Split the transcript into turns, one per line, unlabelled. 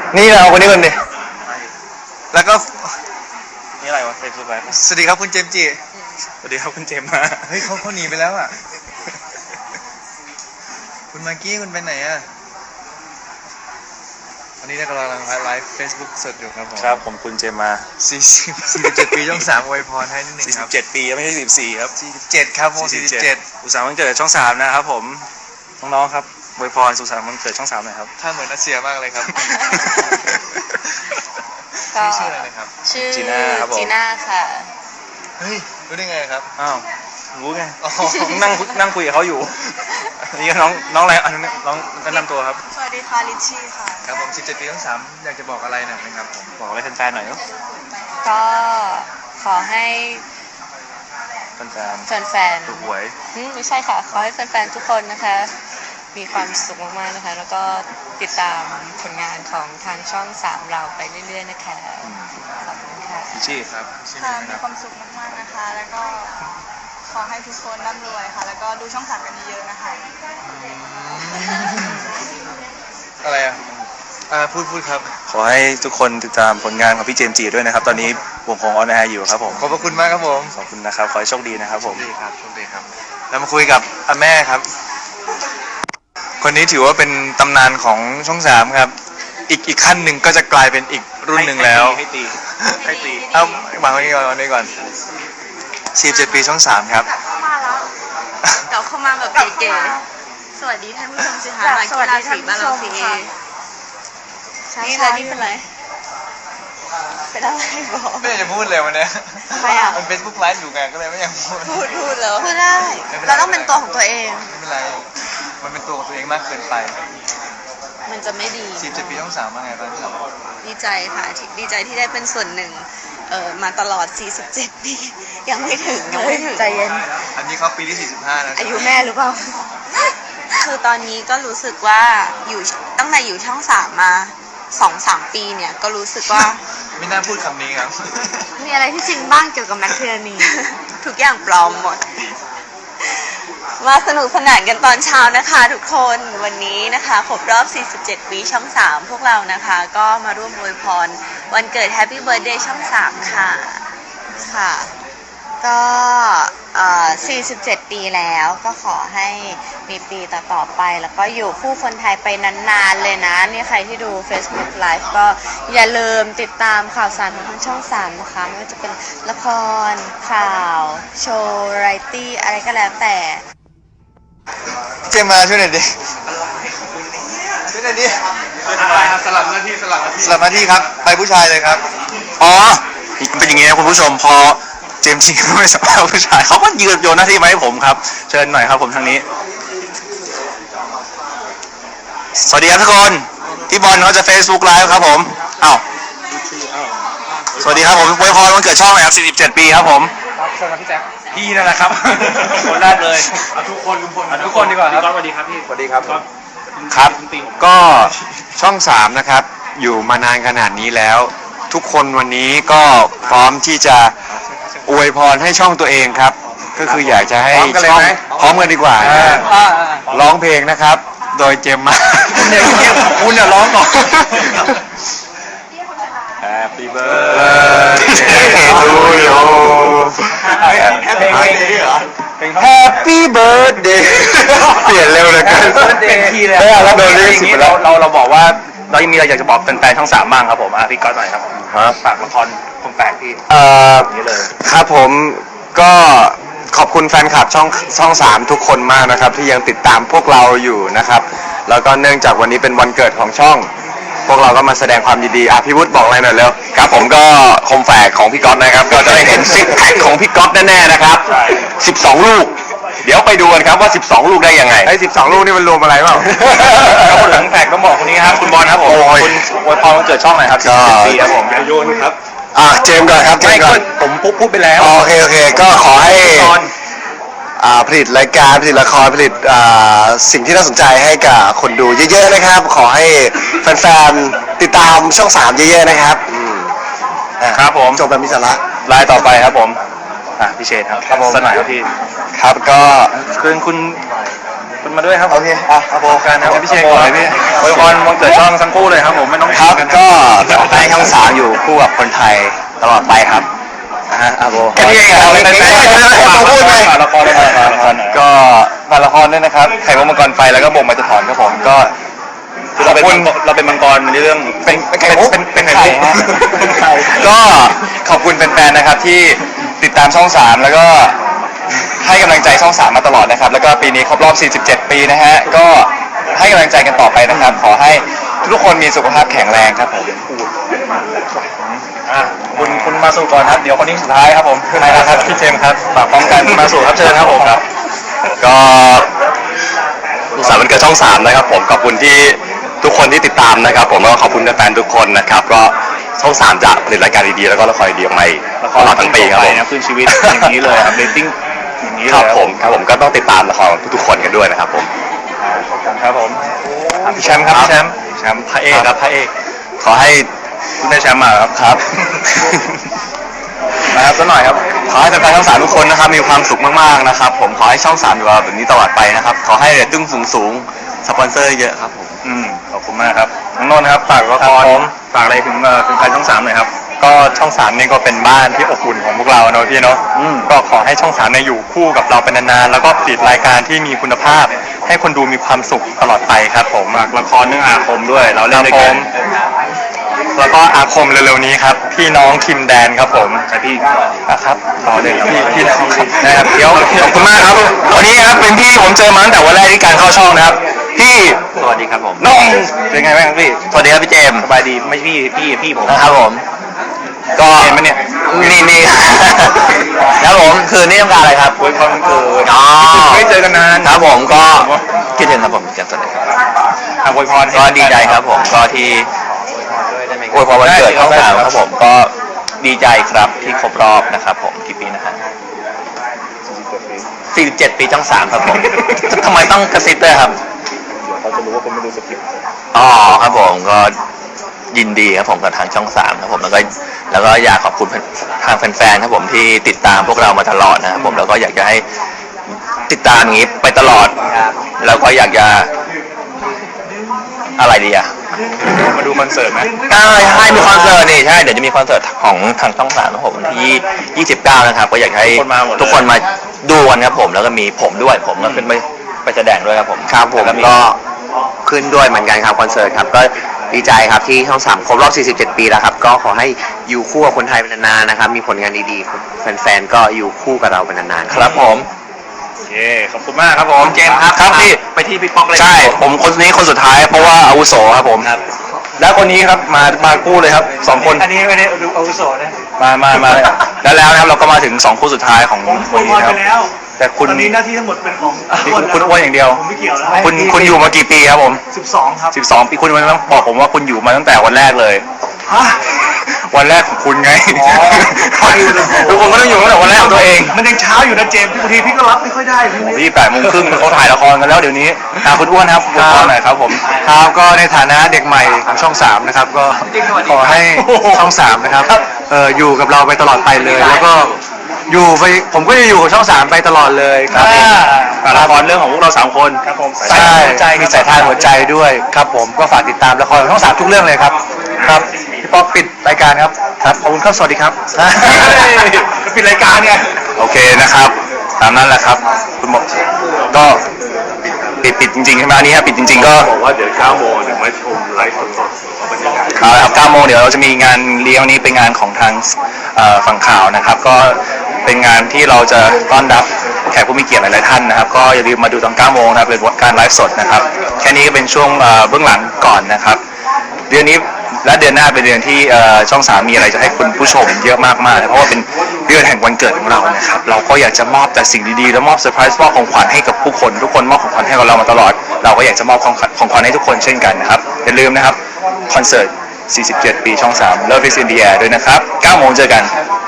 นี่เราคนนี้คนนี้แล้วก็
นี่อะไรวะเฟซบุ๊กไลฟ์
สวัสดีครับคุณเจมส์จี
สวัสดีครับคุณเจมมา
เฮ้ยเขาหนีไปแล้วอ่ะคุณมากกี้คุณไปไหนอ่ะวันนี้เรากำลังไลฟ์เฟซบุ๊กสดอยู่ครับผม
ครับผมคุณเจมมา
47 ปีช่อง 3อวยพรให้นิดนึงครับ
47 ปีไม่ใช่14ครับ
47ครับผม47
อุตสาหวันเกิดช่อง 3นะครับผมน้องๆครับอวยพรสุขสันต์วันเกิดช่อง 3หน่อยครับ
ถ้าเหมือนอาเซียมากเลยครับชื่ออะไรนะครับ
ชื่อจีน่าค่ะ
เฮ้ยรู้ได้ไงครับ
อ้าวรู้ไงนั่งคุยกับเขาอยู่นี่น้องอะไรอันนี้น้องแนะนำตัวครับ
สวัสดีค่ะลิชชี่ค่ะ
ครับผม17 ปีช่อง 3อยากจะบอกอะไรหน่อยไหมครับผม
บอกอะไรแฟนๆหน่อย
ก็ขอให้
แฟนถูกหวย
ไม่ใช่ค่ะขอให้แฟนๆทุกคนนะคะมีความสุขมากๆนะคะแล้วก็ติดตามผลงานของทางช่อง 3เราไปเรื่อยๆนะคะขอบคุณค่ะ
ชี่ครับ
ค่ะมีความสุขมากๆนะคะแล้วก็ขอให้ทุกคนร่ำรวยค่ะแล้วก็ดูช่อง 3กันเยอะๆนะคะ
อะไรอ่ะพูดครับ
ขอให้ทุกคนติดตามผลงานของพี่เจมส์จีด้วยนะครับตอนนี้วงของออนแอร์อยู่ครับผม
ขอบพระคุณมากครับผม
ขอบคุณนะครับขอให้โชคดีนะครับผม
โชคดีครับเรามาคุยกับอาแม่ครับคนนี้ถือว่าเป็นตำนานของช่อง 3ครับอีกขั้นหนึ่งก็จะกลายเป็นอีกรุ่นหนึ่งแล้ว
ให้ตี
เอาวางไว้ก่อน47 ปีช่อง 3ครับ
มาแล้วเดี๋ยวเข้ามาแบบเก๋ๆสวัสดีท่านผู้ชมสิคะ
สวัสดีท่านผู้ชมค่ะ
นี่เลยนี่เป็นไรเป็นอะไรบอก
ไม่อยากจะพูดเลยวันนี้
ทำไมอ่ะ
มัน Facebook ไลฟ์อยู่ไงก็เลยไม่อยาก
พูดแล้วพูดได้เราต้องเป็นตัวของตัวเอง
ไม่เป็นไรมันเป็นตัวของตัวเองมากเกินไป
มันจะไม่ดี
47 ปีช่อง 3ว่าไงบ้างครับ
ดีใจค่ะดีใจที่ได้เป็นส่วนหนึ่งมาตลอด47 ปียังไม่ถึงใจเย็น
อันนี้เขาปีที่45แล้ว
อายุแม่หรือเปล่าคือตอนนี้ก็รู้สึกว่าอยู่ตั้งแต่อยู่ช่อง 3มา2-3 ปีเนี่ยก็รู้สึกว่า
ไม่น่าพูดคำนี้ครับ
มีอะไรที่จริงบ้างเกี่ยวกับแมทเทอร์นีทุกอย่างปลอมหมดมาสนุกสนานกันตอนเช้านะคะทุกคนวันนี้นะคะครบรอบ47 ปีช่อง 3พวกเรานะคะก็มาร่วมอวยพรวันเกิด Happy Birthday ช่อง 3ค่ะก็47 ปีแล้วก็ขอให้มีปีต่อไปแล้วก็อยู่คู่คนไทยไปนานๆเลยนะนี่ใครที่ดู Facebook Live ก็อย่าลืมติดตามข่าวสารของทางช่อง 3นะคะไม่ว่าจะเป็นละครข่าวโชว์ไรตี้อะไรก็แล้วแต่
เจมมาช่วยหน่อยดิช่วยหน่อยดิสลับหน้าที่ครับไปผู้ชายเลยครับ
อ๋อเป็นอย่างงี้นะคุณผู้ชมพอเจมส์จีก็ไม่สามารถผู้ชายเขาก็โยนหน้าที่มาให้ผมครับเชิญหน่อยครับผมทางนี้สวัสดีครับทุกคนพี่บอลเขาจะ Facebook Live ครับผมอ้าวสวัสดีครับผมอวยพรวันเกิดช่องนะครับ47 ปีครับผม
สวัสดีพี่แจ๊ค
พี่นั่นแหละครับคนแรกเลย
ทุกคนดีกว่าครับ
สวัสดีครับพี่
สวัสดีครับครับก็ช่อง 3นะครับอยู่มานานขนาดนี้แล้วทุกคนวันนี้ก็พร้อมที่จะอวยพรให้ช่องตัวเองครับก็คืออยากจะให้ช่องพร้อมกันดีกว่าร้องเพลงนะครับโดยเจมมา
คุณเนี่ยร้องก่อน Happy birthday
to you Happy birthday เปลี่ยนเร็วเลยกัน
เป็นทีเลย
เราโดนเรียกสิบแล้ว
เราบอกว่าเรายังมีอะไรอยากจะบอกแฟนๆช่อง 3บ้างครับผมพี่ก๊อตหน่อยครับฝากละครคงแปลกพี่นี่เลย
ครับผมก็ขอบคุณแฟนคลับช่อง 3ทุกคนมากนะครับที่ยังติดตามพวกเราอยู่นะครับแล้วก็เนื่องจากวันนี้เป็นวันเกิดของช่องพวกเราก็มาแสดงความยินดีพี่วุฒิบอกอะไรหน่อยเร็ว
ครับผมก็คมแฝกของพี่ก๊อตนะครับก็จะได้เห็นซิกแพคของพี่ก๊อตแน่ๆนะครับ12 ลูกเดี๋ยวไปดูกันครับว่า12 ลูกได้ยังไง
ไอ้12 ลูกนี่มันรวมอะไรเปล่า
แล้วคนหลังแฝกต้องบอกคนนี้ครับคุณบอลครับผมคุณอวยพรวันเกิดช่องหน่อยครับ40 ปีครับผม
โยนครับเจมก่อนครับ
ผมพูดไปแล้ว
โอเคก็ขอให้ผลิตรายการผลิตละครผลิตสิ่งที่น่าสนใจให้กับคนดูเยอะๆนะครับขอให้แฟนๆติดตามช่อง 3เยอะๆนะครับ
ครับผม
จบแบบมีสาระ
รายต่อไปครับผมพี่เชษครับสนายครับพี่
ครับก็
คุณมาด้วยครับ
โอเค
โบกันครับพี่เชษก่อนเลยพี่อวยพรวันเกิดช่องทั้งคู่เลยครับผมไม่ต้อง
ครับก็
อง3อยู่คู่กับคนไทยตลอดไปครับอาโบ
แค่นี้เองเหรอไม่พูดเลย
ละครก็ฝากละครด้วยนะครับไข่มุกมังกรไฟแล้วก็บ่งมาจะถอนครับผมก็เราเป็นมังกรในเรื่องเป็นไข่มุกเป็นไข่ฮะก็ขอบคุณแฟนๆนะครับที่ติดตามช่อง3แล้วก็ให้กำลังใจช่อง3มาตลอดนะครับแล้วก็ปีนี้ครบรอบ 47 ปีนะฮะก็ให้กำลังใจกันต่อไปนะครับขอให้ทุกคนมีสุขภาพแข็งแรงครับผมคุณมาสู่ก่อนครับเดี๋ยวคนนี้สุดท้ายครับผมใครนะครับพี่เจมส์ครับฝากพร้อมกันมาสู่ครับเชิญครับผมครับก็สุขสันต์วันเกิดช่อง3นะครับผมขอบคุณที่ทุกคนที่ติดตามนะครับผมแล้วก็ขอบคุณแฟนๆทุกคนนะครับก็ช่อง3จะผลิตรายการดีๆแล้วก็ละครดีๆออกมาตลอดทั้งปีครับผมคืนชีวิตอย่างนี้เลยครับเรตติ้งอย่างนี้เลยครับผมก็ต้องติดตามละครทุกๆคนกันด้วยนะครับผมครับผมพี่แชมป์ครับพี่แชมป์พระเอกครับพระเอกขอให้คุณได้แชมป์มาครับนะครับสักหน่อยครับขอให้แฟนๆช่อง3ทุกคนนะครับมีความสุขมากๆนะครับผมขอให้ช่อง3อยู่แบบนี้ตลอดไปนะครับขอให้เรตติ้งสูงสปอนเซอร์เยอะครับผมขอบคุณมากครับน้องนนท์ครับฝากละครฝากอะไรถึงแฟนช่อง3หน่อยครับก็ช่อง3นี่ก็เป็นบ้านที่อบอุ่นของพวกเราเนาะพี่เนาะก็ขอให้ช่อง3เนี่ยอยู่คู่กับเราเป็นนานๆแล้วก็ผลิตรายการที่มีคุณภาพให้คนดูมีความสุขตลอดไปครับผมฝากละครเรื่องอาคมด้วยเราเล่นด้วยกันแล้วก็อาคมเร็วๆนี้ครับพี่น้องคิมแดนครับผมพี่ครับต่อเลยครับพี่น้องครับนะครับเดี๋ยวขอบคุณมากครับวันนี้ครับเป็นพี่ผมเจอมาตั้งแต่วันแรกที่การเข้าช่องนะครับพี่สวัสดีครับผมน้องเป็นไงบ้างพี่สวัสดีครับพี่เจมส์สบายดีไม่พี่ผมนะครับผมก็เห็นไหมเนี่ยนี่ครับผมคือนี่ต้องการอะไรครับอวยพรวันเกิดอ๋อไม่เจอกันนานครับผมก็คิดถึงครับผมแจ็คสันเลยครับอวยพรก็ดีใจครับผมก็ที่อวยพรวันเกิดช่อง3ครับผมก็ดีใจครับที่ครบรอบนะครับผมกี่ปีนะครับ47 ปีช่อง3ครับผมทำไมต้องกระซิบด้วยครับเขาจะรู้ว่าคนไม่ดูสคริปต์อ๋อครับผมก็ยินดีครับผมกับทางช่อง3ครับผมแล้วก็อยากขอบคุณทางแฟนๆครับผมที่ติดตามพวกเรามาตลอดนะครับผมแล้วก็อยากจะให้ติดตามอย่างนี้ไปตลอดแล้วก็อยากจะอะไรดีอะมาดูคอนเสิร์ตไหมใช่มีคอนเสิร์ตนี่ใช่เดี๋ยวจะมีคอนเสิร์ตของทางช่อง3ครับผมที่29นะครับก็อยากให้ทุกคนมาดูกันครับผมแล้วก็มีผมด้วยผมก็ขึ้นไปแสดงด้วยครับผมครับผมก็ขึ้นด้วยเหมือนกันครับคอนเสิร์ตครับก็ดีใจครับที่ช่อง3ครบรอบ47 ปีแล้วครับก็ขอให้อยู่คู่กับคนไทยเป็นนานๆนะครับมีผลงานดีๆแฟนๆก็อยู่คู่กับเราเป็นนานๆครับผมโอเคขอบคุณมากครับผมเจมส์ครับพี่ไปที่พี่ป๊อกเลยใช่ผมคนนี้คนสุดท้ายเพราะว่าอาวุโสครับผมแล้วคนนี้ครับมาคู่เลยครับ2คน
อันนี้ไม่ได้ดูอาวุโสนะ
มาแล้วนะครับเราก็มาถึง2คู่สุดท้ายของวันนี้ครับแต่คุณ
ตอนนี้หน้าที่ทั้งหมดเป็นของ
คุณอ้วนอย่างเดียว
ผมไม่เกี่ยวแล้ว
คุณอยู่มากี่ปีครับผม
12ครับ
12 ปีคุณต้องบอกผมว่าคุณอยู่มาตั้งแต่วันแรกเลยวันแรกของคุณไงทุกคนก็ต้องอยู่ตั้งแต่วันแรกของตัวเอง
มันยังเช้าอยู่นะเจมส์บางทีพี่ก็รับไม่ค่อยได้
พี่8 โมงครึ่งเขาถ่ายละครกันแล้วเดี๋ยวนี้คุณอ้วนครับละครหน่อยครับผม
ครับก็ในฐานะเด็กใหม่ของช่อง3นะครับก็ขอให้ช่อง3นะครับอยู่กับเราไปตลอดไปเลยแล้วก็อยู่ไปผมก็จะอยู่กับช่อง3ไปตลอดเลยครับ
ละครเรื่องของพวกเรา3คน
ครับผม
ใช่มีสายทานหัวใจด้วยครับผมก็ฝากติดตามละครช่อง3ทุกเรื่องเลยครับครับพี่ป๊อกปิดรายการครับครับขอบคุณครับสวัสดีครับ
ปิดรายการไง
โอเคนะครับตามนั้นแหละครับคุณบอกก็ปิดจริงๆใช่ไหมอันนี้ครับปิดจริงๆก็
บอกว่าเดี๋ยว9 โมงถึงมาชมไลฟ์สดๆบรรยากาศ
ครับ9 โมงเดี๋ยวเราจะมีงานเลี้ยงนี้เป็นงานของทางฝั่งข่าวนะครับก็เป็นงานที่เราจะต้อนรับแขกผู้มีเกียรติหลายๆท่านนะครับก็อย่าลืมมาดูตอน9 โมงนะครับเป็นการไลฟ์สดนะครับแค่นี้ก็เป็นช่วงเบื้องหลังก่อนนะครับเดือนนี้และเดือนหน้าเป็นเดือนที่ช่อง3มีอะไรจะให้คุณผู้ชมเยอะมากๆเพราะว่าเป็นเดือนแห่งวันเกิดของเรานะครับเราก็อยากจะมอบแต่สิ่งดีๆและมอบเซอร์ไพรส์มอบของขวัญให้กับผู้คนทุกคนมอบของขวัญให้กับเรามาตลอดเราก็อยากจะมอบของขวัญให้ทุกคนเช่นกันนะครับอย่าลืมนะครับคอนเสิร์ต47 ปีช่อง3 Love is in the air ด้วยนะครับ9 โมงเจอกัน